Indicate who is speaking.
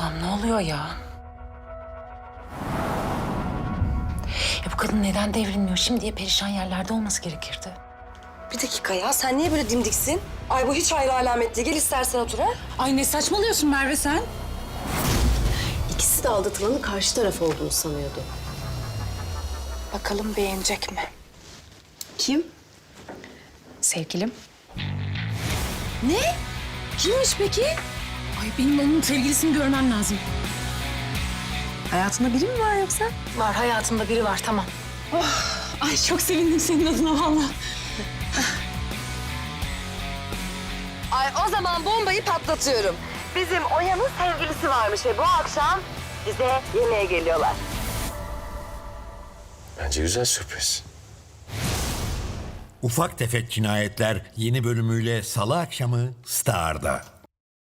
Speaker 1: Allah'ım ne oluyor ya? Ya bu kadın neden devrilmiyor? Şimdiye perişan yerlerde olması gerekirdi.
Speaker 2: Bir dakika ya, sen niye böyle dimdiksin? Ay bu hiç hayra alamet değil. Gel istersen otur ha.
Speaker 1: Ay ne saçmalıyorsun Merve sen?
Speaker 3: İkisi de aldatılanın karşı taraf olduğunu sanıyordu.
Speaker 1: Bakalım beğenecek mi?
Speaker 3: Kim?
Speaker 1: Sevgilim.
Speaker 3: Ne? Kimmiş peki?
Speaker 1: Ay benim onun sevgilisini görmem lazım.
Speaker 3: Hayatında biri mi var yoksa?
Speaker 1: Var hayatımda biri var tamam. Ay çok sevindim senin adına vallahi.
Speaker 2: Ay o zaman bombayı patlatıyorum. Bizim Oya'nın sevgilisi varmış ve bu akşam bize yemeğe geliyorlar.
Speaker 4: Bence güzel sürpriz.
Speaker 5: Ufak Tefek Cinayetler yeni bölümüyle Salı akşamı Star'da.